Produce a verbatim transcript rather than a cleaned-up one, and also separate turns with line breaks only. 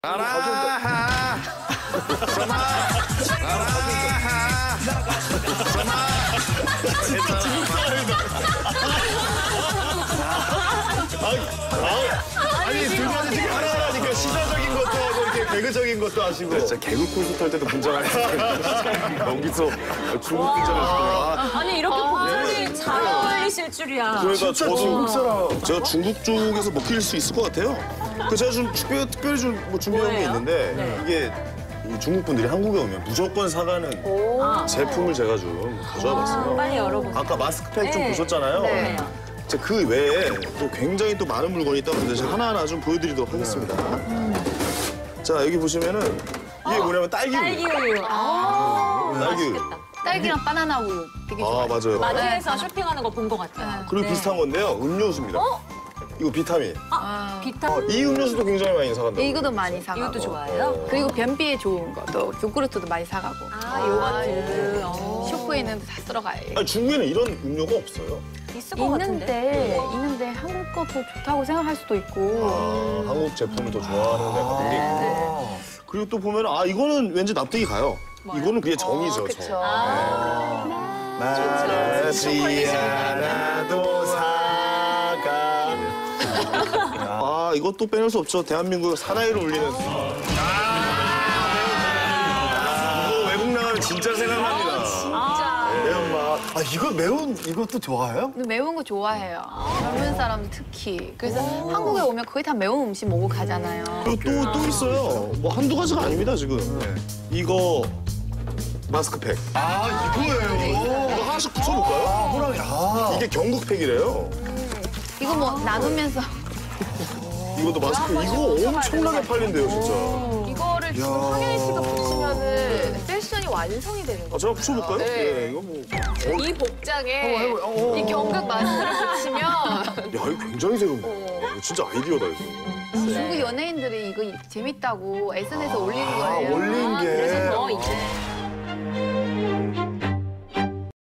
아라하 전화 아라하
진짜 중국 사람이다. 아니 두 분이 지금 하나하나니까 시사적인 것도 하고 이렇게 개그적인 것도 하시고.
진짜 개그 콘서트 할 때도 분장할 때 여기서 중국 분장을 시키는
아니 이렇게 복장이 잘 어울리실 줄이야.
그러니까
진짜 중국 사람.
제가 중국 쪽에서 먹힐 수 있을 것 같아요. 그 제가 좀 특별히, 특별히 좀 뭐 준비한 게
뭐예요?
있는데
네.
이게 이 중국 분들이 한국에 오면 무조건 사가는 제품을 제가 좀 가져와 봤어요.
빨리 열어보세요.
아까 마스크팩 좀
네.
보셨잖아요.
네.
자, 그 외에 또 굉장히 또 많은 물건이 있다고 하는데 제가 하나하나 좀 보여드리도록 하겠습니다. 자, 여기 보시면은 이게 뭐냐면 딸기 우유.
딸기 우유. 아,
딸기 우유.
맛있겠다.
딸기랑 바나나 우유 되게
아,
좋아요.
맞아요.
마트에서 쇼핑하는 거 본 것 같아요.
그리고
네.
비슷한 건데요. 음료수입니다. 이거 비타민.
아,
어,
비타민.
이 음료수도 굉장히 많이 사간다고.
이것도 많이 사가고.
이것도 좋아해요?
그리고 변비에 좋은 것도 요구르트도 많이 사가고.
아, 요거트. 어.
쇼프에 있는데 다 쓸어가요.
아니, 중국에는 이런 음료가 없어요.
있을 것 같은데.
있는데 있는데 한국 것도 좋다고 생각할 수도 있고.
아, 한국 제품을 더 좋아하는 데가 되게 있고. 그리고 또 보면 아 이거는 왠지 납득이 가요. 이거는 그게 정이죠, 정.
아,
말하지 않아도 사가. 아 이것도 빼놓을 수 없죠. 대한민국 사나이를 울리는. 아, 이거 외국 나가면 진짜 생각납니다.
진짜.
매운맛.
아 이거 매운 이것도 좋아해요?
근데 매운 거 좋아해요. 젊은 사람들 특히. 그래서 한국에 오면 거의 다 매운 음식 먹고 가잖아요.
그리고 또, 또 있어요. 뭐 한두 가지가 아닙니다, 지금. 이거 마스크팩.
아 이거예요.
이거 하나씩 붙여볼까요?
아 호랑이. 아
이게 경국팩이래요.
이거 뭐 나누면서
이것도 마스크. 이거 엄청나게 팔린대요, 진짜.
이거를 지금 황현희 씨가 붙이면은 패션이 완성이 되는
아,
거예요.
제가 붙여볼까요?
네.
예, 이거 뭐. 어,
이 복장에
해봐요. 어, 어.
이 경극 마스크를 붙이면
야, 이거 굉장히 새로운데. 이거 진짜 아이디어다, 이거.
중국 연예인들이 이거 재밌다고 에스엔에스에 올리는
아
거예요.
올린 게.
그래서 더 이제.